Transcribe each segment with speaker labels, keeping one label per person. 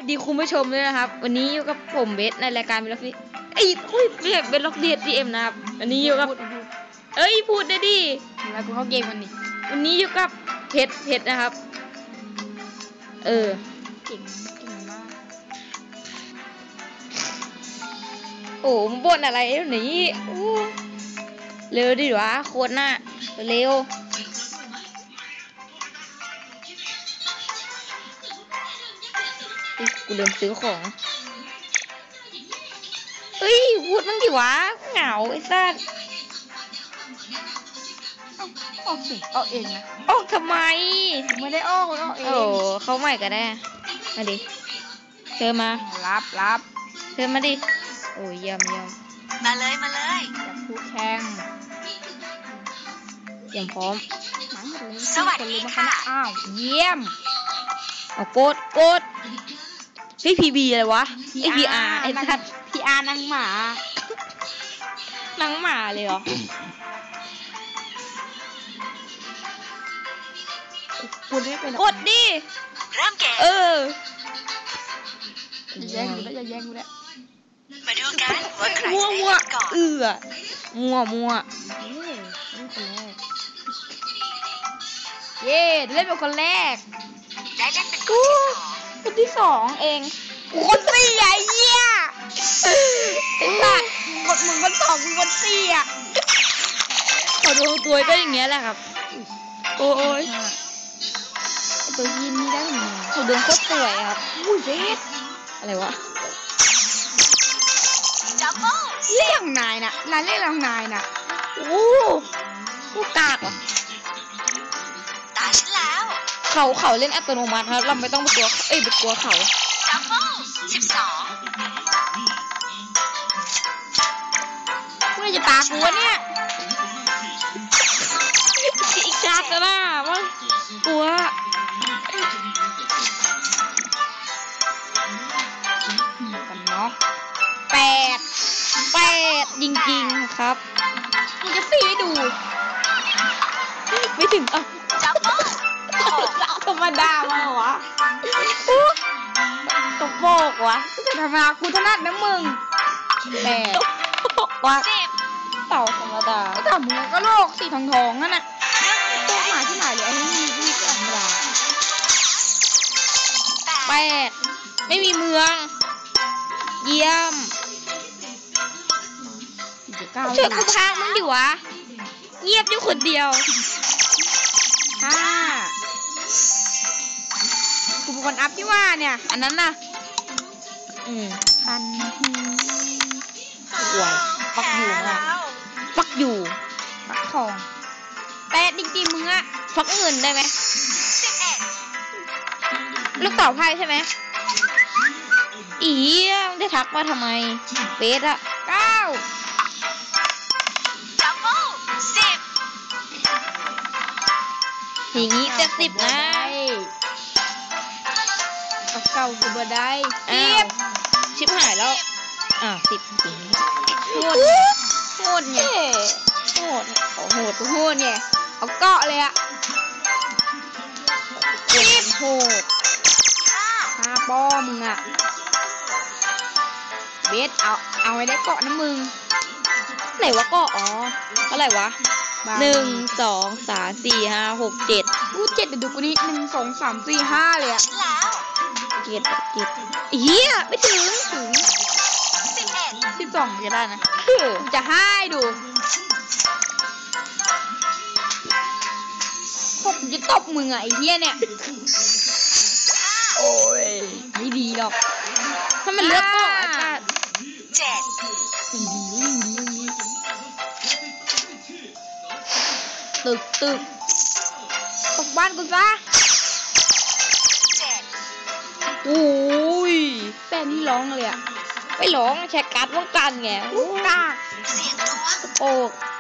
Speaker 1: สดีคุณผู้ชมด้วยนะครับวันนี้อยู่กับผมเบสในรายการเบล็อกดีไม่ใช่เบสล็อกดีเอ็มนะครับวันนี้อยู่กับพูดได้ดิ
Speaker 2: แล้วกูเข้าเกมกันนี่
Speaker 1: วันนี้อยู่กับเพชรนะครับ
Speaker 2: เก่งมาก
Speaker 1: โอ้มึงบ่นอะไรหนีเร็วดิวะโคตรหน้าเร็วกูเริ่มซื้อของพูดมั่งดิวะเหงาไอ้สัส
Speaker 2: ออกสิออกเองนะ
Speaker 1: ออกทำไม
Speaker 2: ไม่ได้ออกเอง
Speaker 1: เขาใหม่ก็ได้มาดิเธอมา
Speaker 2: รับ
Speaker 1: เธอมาดิโอ้ยเยี่ยม
Speaker 3: มาเลย
Speaker 2: อยากพูดแข่ง
Speaker 1: อย่างพร้อม
Speaker 3: สวัสดีค่ะ
Speaker 2: อ้าวเยี่ยม
Speaker 1: เอาโกดพี่พีบีอะไรวะไอพีอาร์ไอ้ทัด
Speaker 2: พีอาร์นางหมา
Speaker 1: เลยเหรอ
Speaker 2: คุณได้เป็น
Speaker 1: กดดิ
Speaker 3: เริ่มเกม
Speaker 2: อย่าแย่งกูแล้ว
Speaker 3: มาดูกันว่าใครจะได้ก่อน
Speaker 1: มั่ว
Speaker 2: เย้เล่นเป็นคนแรก
Speaker 3: ได้เล่นเป็น
Speaker 1: คนที่สองเอง
Speaker 2: คนสี่ไอ้เหี้ยไอ้สัตว์กดมึงคนสองมึงคนสี่อ่ะ
Speaker 1: ขอดูตัวก็อย่างเงี้ยแหละครับโอ้ย
Speaker 2: ตัวยินนี่ได้ไง
Speaker 1: เขาเดินโคตรสวยครับ
Speaker 2: อุ้ยเบส
Speaker 1: อะไรวะ
Speaker 3: ดับเบิ้ล
Speaker 2: เล่นนายน่ะนายเล่นรางนายน่ะ
Speaker 1: ลูกกากว่ะ
Speaker 3: ตาฉันแล้ว
Speaker 1: เขาเล่นอัตโนมัติครับเราไม่ต้องไปกลัวไปกลัวเขา
Speaker 3: ดับเบิ้ล12
Speaker 2: เมื่อจะตากูวะเนี่ย
Speaker 1: อีกกากกันล่ะว่ากลัว
Speaker 2: กันเนาะ
Speaker 1: 8จริงๆครับ
Speaker 2: มึงจะฟรีให้ดู
Speaker 1: ไม่ถึง
Speaker 3: ดับเบิ้ล
Speaker 2: ธรรมดามาวะ
Speaker 1: ตกโบกวะ
Speaker 2: ธรรมดากูถนัดนะมึง
Speaker 1: 8ว่าเต่าธรรมดา
Speaker 2: ไอ้ต่ำมึงก็โลกสีทองนั่นน่ะตัวหมาที่ไหนเลยไอ้นี่ธรรมดา
Speaker 1: 8ไม่มีเมืองเยี่ยมช่วยกูพากมึงดิวะเงียบอยู่คนเดียว
Speaker 2: กูเป็นคนอัพที่ว่าเนี่ย
Speaker 1: อันนั้นน่ะ
Speaker 2: พัน
Speaker 1: หวยปักอยู่อ่ะปัก
Speaker 2: ทอง8จริงๆมึงอะ
Speaker 1: ปักเงินได้ไหมลูกเต่าไพ่ใช่ไหมมึงจะทักมาทำไมเฟสอะ
Speaker 2: 9
Speaker 3: ดับเบิ้ล10
Speaker 1: อย่างงี้70นะ
Speaker 2: เก่ากูบ่ได้
Speaker 1: ชิบหายแล้ว10
Speaker 2: โหดเนี่ยโหดเนี่ยเอาเกาะเลยอะ
Speaker 1: โหด
Speaker 2: 5ป้อมึงอะเบสเอาไว้ได้เกาะนะมึง
Speaker 1: ไหนวะเกาะเท่าไหร่วะ1 2 3 4 5 6 7
Speaker 2: กู7เดี๋ยวดูกูนี่1 2 3 4 5เลยอะ
Speaker 1: 7เฮียไม่ถึง
Speaker 2: 12จะได้นะจะให้ดูผมจะตบมึงอะไอ้เหี้ยเนี่ย
Speaker 1: โอ้ย
Speaker 2: ไม่ดีหรอก
Speaker 1: ถ้ามันเลือกก็
Speaker 3: 7
Speaker 2: ตึกตกบ้านกูซะ
Speaker 3: 7
Speaker 1: โอ้ย
Speaker 2: แป้นี่ร้องเลยอะ
Speaker 1: ไม่ร้องแชร์การ์ดป้องกันไง
Speaker 2: กาก
Speaker 3: เสียงตัว
Speaker 1: โอ้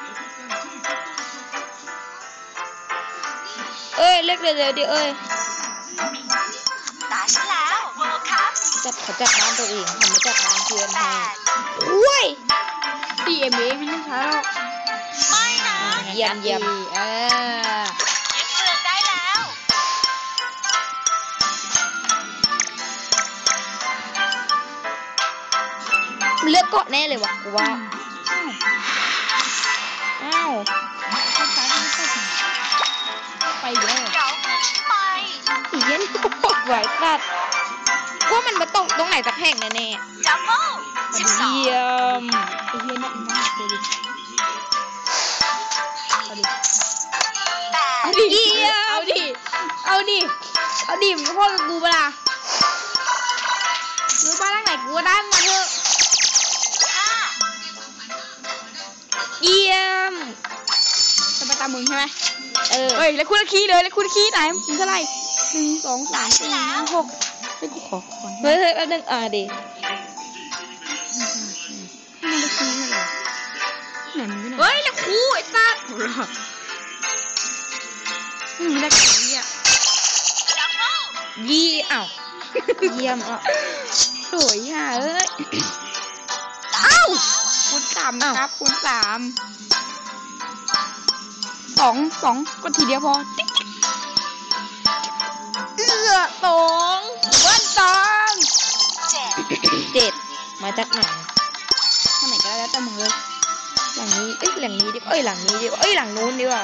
Speaker 1: เล็กเร็วดิ
Speaker 3: ตาฉันแล้วเวิลด์คัพ
Speaker 1: เขาจัดบ้านตัวเองทำไม่จัดบ้านเพื่อนให้อุ้ย
Speaker 2: CMA ไม่ต้องใช้หรอก
Speaker 3: ไม่นะ
Speaker 1: เยี่ยม
Speaker 3: ยึดเมืองได้แล้ว
Speaker 1: มันเลือกเกาะแน่เลยวะกูว่าอ้าว
Speaker 2: ไปเยอะ
Speaker 3: เดี๋ยวมึงไป
Speaker 1: อีเย็นกูบอกไว้สัตว์ว่ามันมาตกตรงไหนสักแห่งแน่
Speaker 3: ดับเบิ้ล
Speaker 1: ๆ
Speaker 3: 12
Speaker 1: เยี่ยม
Speaker 2: ไอ้เฮียเนี่ยมันน่าเกลียดเอาดิ
Speaker 1: เอาดิเยี่ยม
Speaker 2: เอาดิ เอาดิ เอาดิมึงก็พ่อกับกูเปะล่าหรือบ้านหลังไหนกูก็ได้มาเถอะ
Speaker 1: เยี่ยม
Speaker 2: จะไปตามมึงใช่ไหม
Speaker 1: เออ
Speaker 2: เฮ้ยแล้วคุณละคีเลยแล้วคุณละคีไหนมึงเท่าไหร่1 2 3 4 5 6เฮ้ยกูขอ
Speaker 1: เฮ้ยแป๊บนึงดิ
Speaker 2: มันละคีเหรอไหนมึงอยู่ไหน
Speaker 1: เฮ้ยแล้วครูไอ้สัตว์
Speaker 2: มึงไม่ได้กับไอ้เหี้ย
Speaker 1: ยี่อ้าวเยี่ยมอ่ะ
Speaker 2: สวยห่าเอ้ย
Speaker 1: อ้าว
Speaker 2: คูณ 3นะครับคูณ 3 2ก็ทีเดียวพอติ๊ก2เบิ้ล2
Speaker 1: 7มาจากไหน
Speaker 2: ทางไหนก็ได้แล้วแต่มึงเลย
Speaker 1: หลังนี้หลังนี้ดิหลังนี้ดิหลังนู้นดีกว่า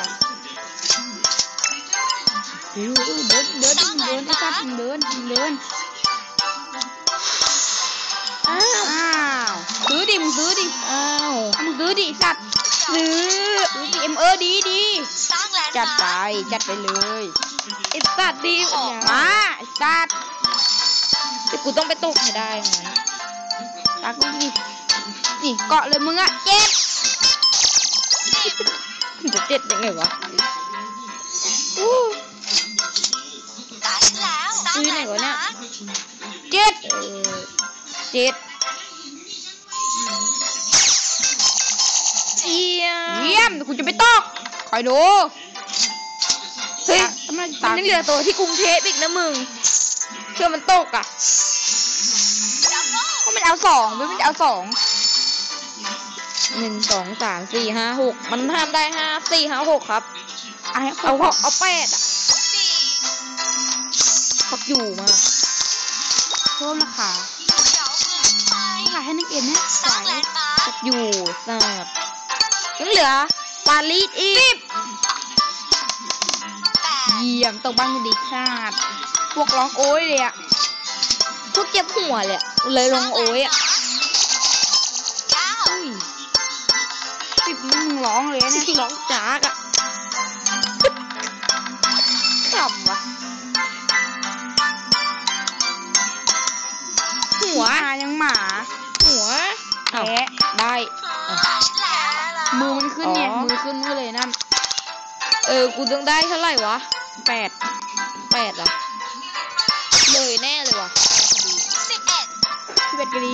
Speaker 2: เดินไอ้สัตว์มึงเดินอ้าวซื้อดิมึงซื้อดิ
Speaker 1: อ้าว
Speaker 2: มึงซื้อดิสัตว์
Speaker 1: ซื้อ
Speaker 2: ซื้อดิดี
Speaker 3: สร้างแลนด์
Speaker 2: จัดไป
Speaker 3: มาร์ค
Speaker 2: จัดไปเลย
Speaker 1: ไอ้สัตว์ดิ
Speaker 2: มาไอ้สัตว์
Speaker 1: แต่กูต้องไปตกให้ได้งั้น
Speaker 2: ตักมึงดินี่เกาะเลยมึงอะเจ็บ
Speaker 1: จะ7ยังไงวะ
Speaker 3: ตาฉันแล้วสร้าง
Speaker 1: ซื้อ
Speaker 3: แล
Speaker 1: ไหน
Speaker 3: นด์
Speaker 1: วะเนี่ย
Speaker 3: มาร์ค
Speaker 2: เจ็บ
Speaker 1: 7เยี่ยม
Speaker 2: เยี่ยมกูจะไปตกคอยดู
Speaker 1: เฮ้ย
Speaker 2: ทำไม
Speaker 1: มั
Speaker 2: ตาน
Speaker 1: ยังเหลือตัวที่กรุงเทพอีกนะมึงเชื่อมันตกอ่ะ
Speaker 2: ก็มันเอา2ไม่มันเอา2
Speaker 1: 1 2 3 4 5 6มันทำได้5 4 5 6ครับ
Speaker 2: เอา
Speaker 1: เอา8อ่ะพักอยู่มา
Speaker 2: เพิ่มราคา
Speaker 3: เดี๋ยวมึงไป
Speaker 2: ขายให้นักเอ็นเนี่ย
Speaker 3: สร้างแลนด์มาร์ค
Speaker 1: พักอยู่สัตว์ยังเหลือปารีสอีก
Speaker 3: 8
Speaker 2: เยี่ยมตกบ้านกูดีชาติพวกร้องโอ้ยเลยอะ
Speaker 1: พวกเจ็บหัวเลยอะเลยลงโอ้ยอ่ะ
Speaker 3: 9
Speaker 2: อุ้ย10นี่มึงร้องเลยนะเนี่ย
Speaker 1: ร้องจากอ่ะขำวะหัว
Speaker 2: หมายังหมา
Speaker 1: หัวเอา
Speaker 2: แพ้
Speaker 1: ได้
Speaker 3: ฉันแล้ว
Speaker 2: มือมันขึ้นไง
Speaker 1: อ๋อ
Speaker 2: มือขึ้นมือเลยนั่น
Speaker 1: กูต้องได้เท่าไหร่วะ
Speaker 2: 8
Speaker 1: 8เหรอเลยแน่เลยวะ
Speaker 3: 11
Speaker 2: ที่เบ็ดกะดี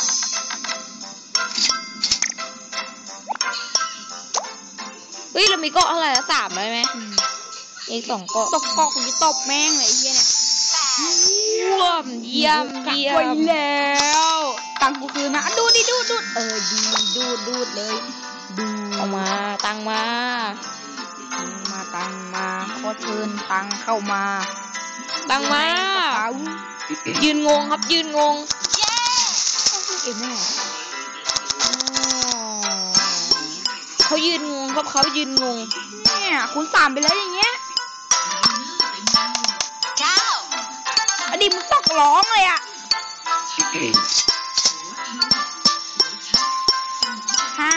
Speaker 1: เฮ้ยเรามีเกาะเท่าไหร่ละ3ได้ไหมอีก2เกาะ
Speaker 2: ตกเกาะกูจะตบแม่งเลยไอ้เหี้ยเนี่ย
Speaker 1: เยี่ยมเยี่ยม
Speaker 2: ไว้แล้วตังค์กูคืนมาอ่ะดูดิดูดดีดูดเลยดู
Speaker 1: เอามาตังมา
Speaker 2: ตังมาขอเชิญตังเข้ามา
Speaker 1: ตังมา
Speaker 2: ในกระเป๋า
Speaker 1: ยืนงงครับยืนงง
Speaker 3: เย้
Speaker 2: เอ็มแม่
Speaker 1: เขายืนงงครับเขายืนงง
Speaker 2: เนี่ยคูณ3ไปแล้วอย่างเงี้ย
Speaker 3: 9
Speaker 2: อดีตมึงตกร้องเลยอะ5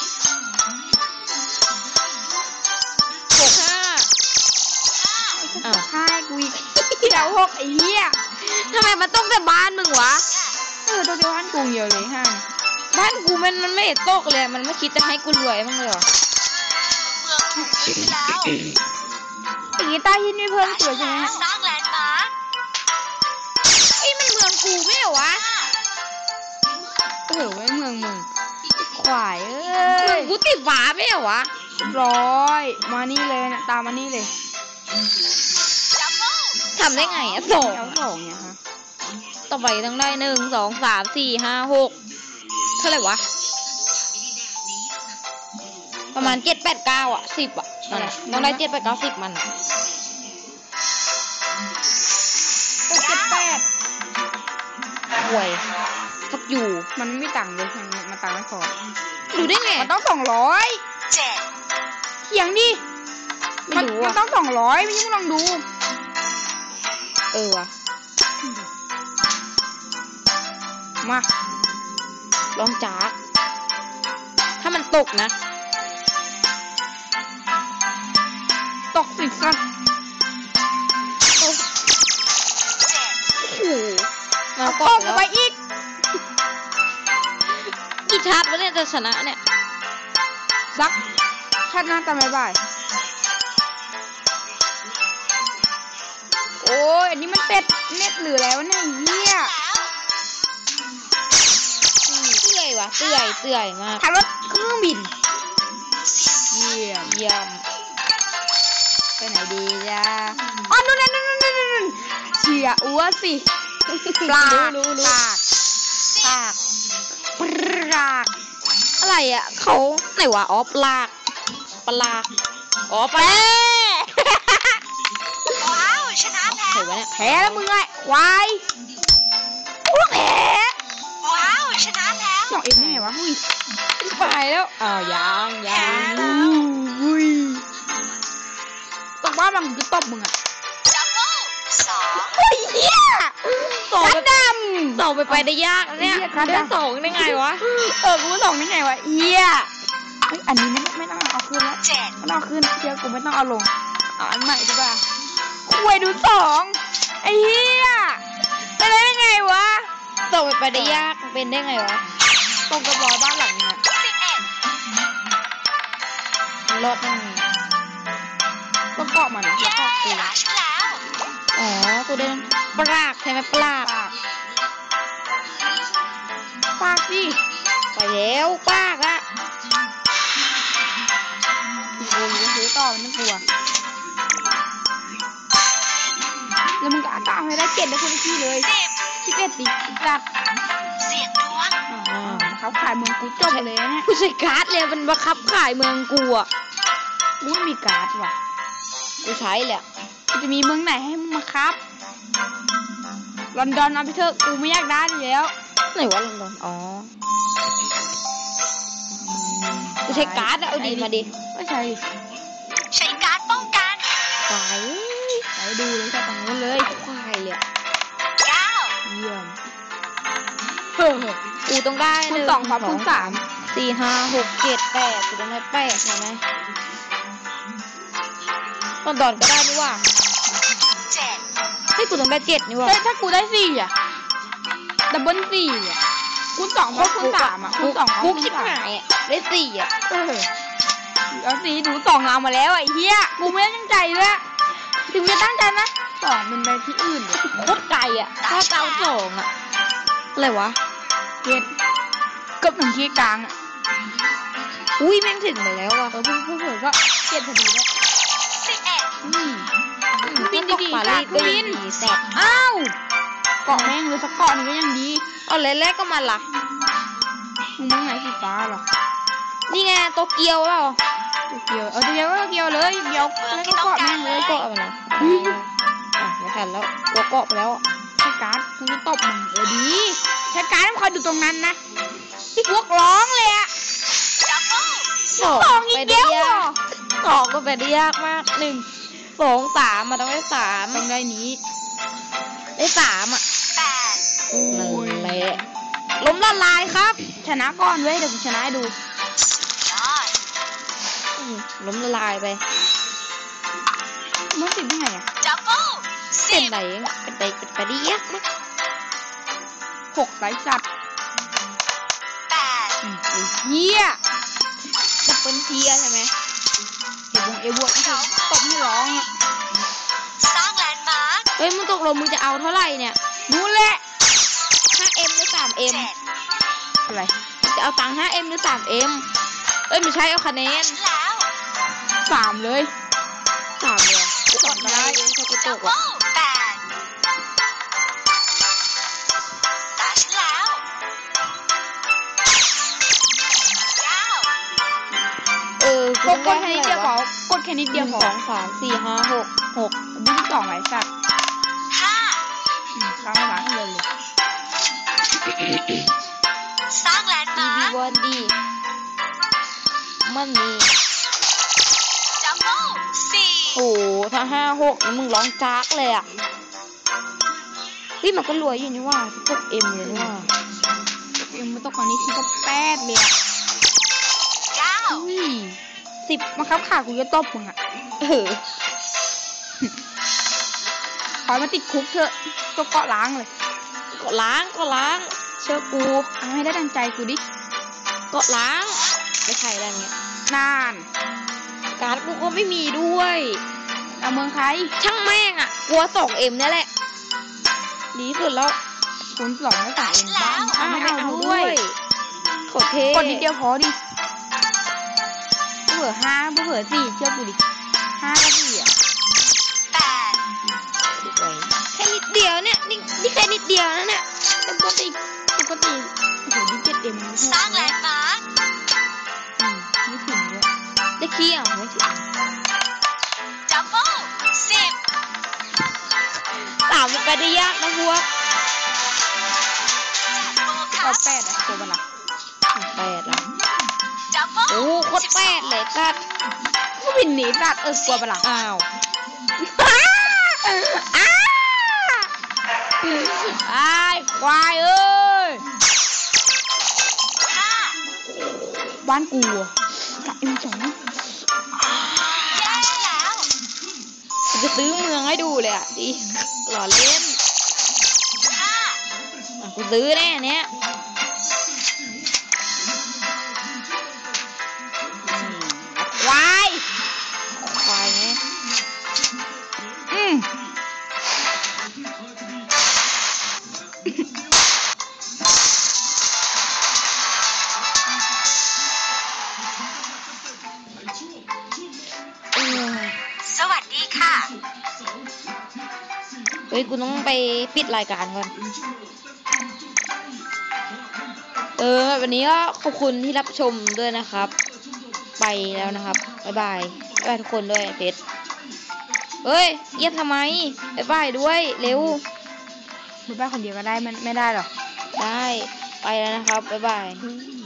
Speaker 1: อ้าว
Speaker 2: 5กูอีกเดี๋ยว6ไอ้เหี้ย
Speaker 1: ทำไมมันต้องแต่บ้านมึงวะ
Speaker 2: ตัวเดียวกันกูเดียวเลย5
Speaker 1: บ้านกูมันไม่เห็นตกเลย มันไม่คิดจะให้กูรวยมั้างเลยเหรอ
Speaker 3: เมืองถูกยึดไปแล้ว
Speaker 2: ตีใต้หินไม่เพิ่ม
Speaker 3: ตา
Speaker 2: ตั
Speaker 3: ฉั
Speaker 2: วน ใช่ไหม
Speaker 3: แล้วสร้างแลนด์มาร์ค
Speaker 1: ไอ้ยมันเมืองกูไม่เหรอวะ
Speaker 2: เออไว้เมืองมึงควายเอ้
Speaker 1: เมือย งกูติดหวาไม่เหรอวะ
Speaker 2: ร้อยมานี่เลยนะตามมานี่เลย
Speaker 3: ดับเบิ้ล
Speaker 1: ทำได้ไงอะสอง
Speaker 2: เอา2เนี่ยฮะ
Speaker 1: ต่อไปต้องได้1 2 3 4 5 6เท่าไหร่วะ ประมาณ7 8 9อ่ะ10อ่ะมันอะต้องได้7 8 9 10มันอะ
Speaker 2: 6 7 8
Speaker 1: ห่วยฟักอยู่
Speaker 2: มันไม่มีตังค์เลยมันตังค์ไม่พอ
Speaker 1: ดูได้ไง
Speaker 2: มันต้อง200
Speaker 3: 7
Speaker 2: เถียงดิ
Speaker 1: ไม่รู้
Speaker 2: มั
Speaker 1: อ่ะ
Speaker 2: นต้อง200ไม่ใช่มึงลองดู
Speaker 1: ว่ะ
Speaker 2: มา
Speaker 1: ลองจากถ้ามันตกนะ
Speaker 2: ตกสิสัตว์
Speaker 1: โอ้โหมา
Speaker 2: เอา
Speaker 1: ก็
Speaker 2: ตก
Speaker 1: แล้ว
Speaker 2: ไปอีก
Speaker 1: กี่ชาร์จวะเนี่ยจะชนะเนี่ย
Speaker 2: ซักชาติหน้าตามบ่ายโอ้ยอันนี้มันเป็ดเน็ตหรืออะไรวะเนี่ยเหี้ย
Speaker 1: เตื่อยว่ะเตื่อยมาก
Speaker 2: ขับรถเครื่องบินเยี่ยม
Speaker 1: เยี่ยม
Speaker 2: ไปไหนดีจ้าอ๋อนู่นเชียอ้วสิปลา
Speaker 1: รู้
Speaker 2: ปาก
Speaker 1: ปาก
Speaker 2: ปลาก
Speaker 1: อะไรอ่ะเขาไหนวะอ๋อปลากอ๋อปลา
Speaker 3: ว้าว ชนะแล้
Speaker 1: ไหน
Speaker 3: ว
Speaker 1: วะเนี่ย
Speaker 2: แพ้แล้วมึงไงควายพวกแพ้
Speaker 3: ว้าว ชนะแล้ว
Speaker 2: สองเอ็มได้ไงวะหุ้ย
Speaker 1: ไปแล้วอ้าวยัง
Speaker 2: อุ้ยตกว่าบังจะตบมึงอะ
Speaker 3: ดับเบิล2
Speaker 2: โอ้ยเหี้ย
Speaker 1: สอง
Speaker 2: กระดำ
Speaker 1: สองไปได้ยากนะเนี่ย
Speaker 2: เหี้ยครับ
Speaker 1: ได้สองได้ไงวะ
Speaker 2: กูสองได้ไงวะเหี้ยเฮ้ยอันนี้ไม่ต้องเอาขึ้นแล้ว
Speaker 3: 7
Speaker 2: ไม่ต้องเอาขึ้นเชื่อกูไม่ต้องเอาลงเอาอันใหม่ดีกว่าคุยดูสองไอ้เหี้ยเป็นได้ไงวะ
Speaker 1: สองไปได้ยากมันเป็นได้ไงวะ
Speaker 2: ตรงกับรอยบ้านหลังเนี่ย
Speaker 1: รอดได้ไง
Speaker 2: ต้องเกาะมันนะ
Speaker 3: เย้
Speaker 2: เกาะกู
Speaker 3: ชนะฉันแล้ว
Speaker 1: อ๋อกูได้ปลากใช่ไหมปลาก
Speaker 2: ปากดิ
Speaker 1: ไปแล้วปลากอะ
Speaker 2: โอ้ยจะซื้อต่อมันไม่กลัวแล้วมึงก็ตามให้ได้เจ็ดได้คนละที่เลย11ดิจัด
Speaker 3: 10 เสียงดวง
Speaker 1: อ๋อ
Speaker 2: เขาขายเมืองกูจบเลยนะเนี่ย
Speaker 1: กูใช้การ์ดเลยมันบังคับขายเมืองกูอ่ะ
Speaker 2: กูไม่มีการ์ดว่ะ
Speaker 1: กูใช้แหละ
Speaker 2: กูจะมีเมืองไหนให้มึงมาครับลอนดอนเอาไปเถอะกูไม่อยากได้อยู่แล้ว
Speaker 1: ไหนวะลอนดอนอ๋อกูใช้การ์ดอะเอาดิมาดิ
Speaker 2: ไม่ใช่
Speaker 3: ใช้การดป้องกัน
Speaker 1: ควาย
Speaker 2: ไปดูเลยแค่ตรงนู้นเลย
Speaker 1: ควายเลยอะ
Speaker 3: 9
Speaker 2: เยี่ยม
Speaker 1: กูต้องได้
Speaker 2: คูณ
Speaker 1: หนึ่
Speaker 2: 2 คูณ
Speaker 1: 4 5 6 7 8กูต้องได้8ใช่ไหมลอนดอนก็ได้นี่ว่า
Speaker 3: 7
Speaker 1: เฮ้ยกูต้องได้7นี่ว่า
Speaker 2: เฮ้ยถ้ากูได้4อ่ะดับเบิล4อ่ะคูณ2คูณ3อ่ะคูณ2
Speaker 1: กู
Speaker 2: คูณ
Speaker 1: ชิบ
Speaker 2: 3
Speaker 1: หายอะได้4อ่ะ
Speaker 2: เอา4ดู2เอามาแล้วไอ้เหี้ยกูไม่ได้ตั้งใจเลยอะถึงจะตั้งใจนะ2มันไปที่อื่นเลย
Speaker 1: โคตรไกลอ่ะถ้าเก้าสองอ่ะอะไรวะ
Speaker 2: เก็ดเกือบถึงที่กลางอ่ะ
Speaker 1: อุ้ยแม่งถึงไปแล้วอ่ะ
Speaker 2: เพิ่งเผลอก็เก็ดพอดีแล้ว
Speaker 3: 11
Speaker 2: อืม บินดีๆ
Speaker 1: ปารีสก็
Speaker 2: บิ
Speaker 1: ยัง
Speaker 2: น
Speaker 1: ดีสัตว์
Speaker 2: อ้าวเกาะแม่งเลยสักเกาะหนึงก็ยังดี
Speaker 1: เอาแรกๆก็มาละ
Speaker 2: มึงมองไหนสีฟ้าเหรอ
Speaker 1: นี่ไงโตเกียวแล้ว
Speaker 2: โตเกียวโตเกียวก็โตเกียวเลยเกียวแล้วก็เกาะแม่งเลย
Speaker 1: เกาะไปแล้วไม่ทันแล้วกลัวเกาะไปแล้ว
Speaker 2: ใช้การ์ดกูจะตบมึงดีใช้การ์ดต้องคอยดูตรงนั้นนะพวกร้องเลยอะ
Speaker 3: ดับเบิล
Speaker 1: สอง
Speaker 2: สองอีกแล้วเหรอ
Speaker 1: สองก็ไปได้ยากมาก1 2 3มาต้องได้3
Speaker 2: ต้องได้นี้
Speaker 1: ได้3อ่ะ
Speaker 3: 8
Speaker 1: นั่นแหละล้มละลายครับ
Speaker 2: ชนะก่อนเว้ยเดี๋ยวกูชนะให้ดู
Speaker 3: ยอด
Speaker 1: ล้มละลายไป
Speaker 2: มึงติดได้ไงอะ
Speaker 3: ดับเบิล
Speaker 1: เป็นไหนเป็นไปได้ยากมาก
Speaker 2: 6ไซส์สัตว์
Speaker 3: 8
Speaker 2: ไอ้เหี้ย
Speaker 1: ดับเบิลเทียใช่ไหม
Speaker 2: เอวงตบให้ร้องอะ
Speaker 3: สร้างแลนด์มาร์ค
Speaker 1: เฮ้ยมึงตกลงมึงจะเอาเท่าไหร่เนี่ย
Speaker 2: นู่นแหละ
Speaker 1: 5M หรือ 3M
Speaker 3: 7
Speaker 2: อะไร
Speaker 1: จะเอาตังค์ 5M หรือ 3M เอ้ยไม่ใช่เอาคะแนน
Speaker 3: ฉันแล้ว
Speaker 2: 3เลย
Speaker 1: 3เลยกูออกได้ถ้ากูต
Speaker 3: ดับ
Speaker 1: ก
Speaker 3: เบิ
Speaker 1: อ่ะ
Speaker 3: ล8ตาฉันแล้ว 9
Speaker 1: กู
Speaker 2: ก
Speaker 1: ต้อง
Speaker 2: ด
Speaker 1: ได้
Speaker 2: แค่
Speaker 1: ให้
Speaker 2: นิดเดียวพอกดแค่นิด
Speaker 1: 1
Speaker 2: เดียวพอ
Speaker 1: 2 3 4 5 6 6
Speaker 2: มึง2ไว้สัตว์
Speaker 3: 5
Speaker 2: ข้างหลังเลย
Speaker 3: ร้างแลนด์
Speaker 1: ดี
Speaker 3: มา
Speaker 1: บี
Speaker 3: ร์ค
Speaker 1: บอลดีมันมี
Speaker 3: ดับเบิลสี่
Speaker 1: โอ้ถ้า5-6นี่มึงร้องจากเลยอ่ะเฮ้ยมันก็รวยอยู่นี่ว่าพวกเอ็มเลยนี่ว่า
Speaker 2: เอ็มมาตกฝั่งนี้ทีก็แป๊ดเลยอะ
Speaker 3: เก้า
Speaker 2: อุ้ย10มาครับขากูจะตบมึงอะ
Speaker 1: เออ
Speaker 2: ขอให้มาติดคุกเถอะตัวเกาะล้างเลย
Speaker 1: ก็ล้างเชื่อกู
Speaker 2: เอาให้ได้ดังใจกูดิ
Speaker 1: ก็ล้างไม่ใช่แล้วเนี่ย
Speaker 2: นาน
Speaker 1: การ์ดกูก็ไม่มีด้วย
Speaker 2: เอาเมืองใคร
Speaker 1: ช่างแม่งอ่ะกลัว2Mเนี่ยแหละดีสุดแล้ว
Speaker 2: คูณ2ไม่ต่างเองบ้าง
Speaker 1: อ้าว
Speaker 2: ไม่
Speaker 1: ไม่
Speaker 2: เอา
Speaker 1: เอา
Speaker 2: ด้
Speaker 1: ด้
Speaker 2: ว
Speaker 1: วย ยขอเท
Speaker 2: กดนิดเดียวพอดิเผื่อ5เผื่อ4เชื่อกูดิ5กับ4อะ
Speaker 3: แปด
Speaker 1: แค่นิดเดียวเนี่ยนี่แค่นิดเดียวนะเนี่ย
Speaker 2: ปกติโอ้โหดิเจ็ดเอ็ม
Speaker 3: สร้างแลนด์มาร์ค
Speaker 2: ไม่ถึงด้วย
Speaker 1: ได้ขี้อ่ะไม่ถึง
Speaker 3: ดับเบิลสิบ
Speaker 1: 3มันไปได้ยากนะพวก
Speaker 3: แจกโบ
Speaker 2: ก็
Speaker 3: คัส
Speaker 2: 8อะตัวบัลลัง
Speaker 1: 8อ่ะ
Speaker 3: ดับเบิล
Speaker 1: โอ้โคตร8เลยกัด
Speaker 2: ก็วินหนีสัตว์กลัวบัลลัง
Speaker 1: อ้าว
Speaker 2: ไอ้ควายเอ้ย
Speaker 3: ห้า
Speaker 2: บ้านกูกับเอ็ม2
Speaker 3: แย่แล้ว
Speaker 1: กูจะซื้อเมืองให้ดูเลยอ่ะดิหล่อเล่น
Speaker 3: ห้า
Speaker 1: อ่ะกูซื้อแน่เนี้ยควายไง
Speaker 3: สวัสดีค่ะ
Speaker 1: เฮ้ยกูต้องไปปิดรายการก่อนวันนี้ก็ขอบคุณที่รับชมด้วยนะครับ ไปแล้วนะครับบ๊ายบายทุกคนด้วยเพชรเฮ้ยเงียบทำไมบ๊ายบายด้วยเร็ว
Speaker 2: มึงไปคนเดียวก็ได้มันไม่ได้หรอ
Speaker 1: ได้ไปแล้วนะครับบ๊ายบาย
Speaker 2: อืม